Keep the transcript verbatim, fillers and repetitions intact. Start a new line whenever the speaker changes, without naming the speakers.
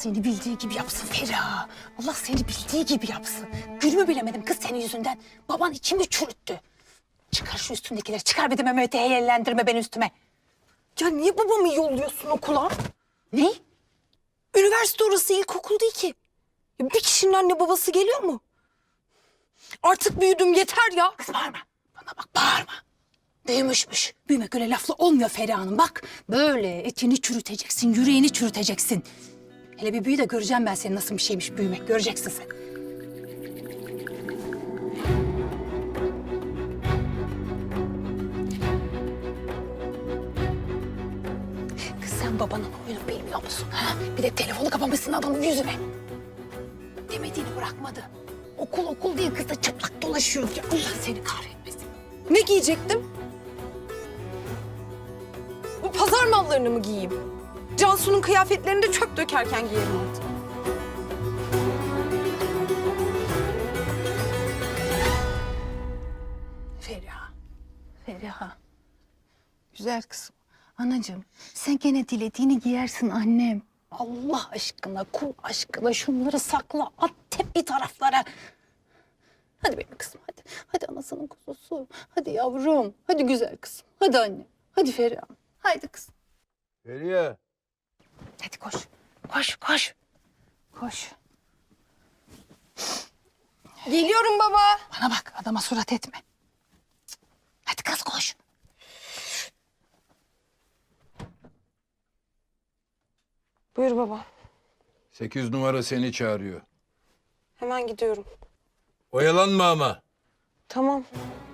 seni bildiği gibi yapsın Feriha. Allah seni bildiği gibi yapsın. Gülümü bilemedim kız senin yüzünden. Baban içimi çürüttü. Çıkar şu üstündekileri. Çıkar bir de Mehmet'i heyellendirme beni üstüme.
Ya niye babamı yolluyorsun okula?
Ne?
Üniversite orası, ilkokul değil ki. Ya bir kişinin anne babası geliyor mu? Artık büyüdüm, yeter ya.
Kız bağırma. Bana bak bağırma. Büyümüşmüş. Büyümek öyle lafla olmuyor Feriha Hanım. Bak böyle etini çürüteceksin, yüreğini çürüteceksin. Hele bir büyü de göreceğim ben senin nasıl bir şeymiş büyümek. Göreceksin sen. Kız sen babanın oyunu bilmiyor musun? Ha? Bir de telefonu kapamışsın adamın yüzüne. Demediğini bırakmadı. Okul okul değil kız da çıplak dolaşıyor. Ya Allah seni kahretmesin.
Ne giyecektim? Bu pazar mallarını mı giyeyim? Cansu'nun kıyafetlerini de çöp dökerken giyerim artık.
Feriha, Feriha. Güzel kızım. Anacığım, sen gene dilediğini giyersin annem. Allah aşkına, kul aşkına şunları sakla, at tep bir taraflara. Hadi benim kızım, hadi. Hadi anasının kuzusu. Hadi yavrum, hadi güzel kızım. Hadi anne, hadi Feriha. Haydi kızım.
Feriye.
Hadi koş, koş, koş. Koş.
Geliyorum baba.
Bana bak, adama surat etme. Cık. Hadi kız koş.
Buyur baba.
Sekiz numara seni çağırıyor.
Hemen gidiyorum.
Oyalanma ama.
Tamam.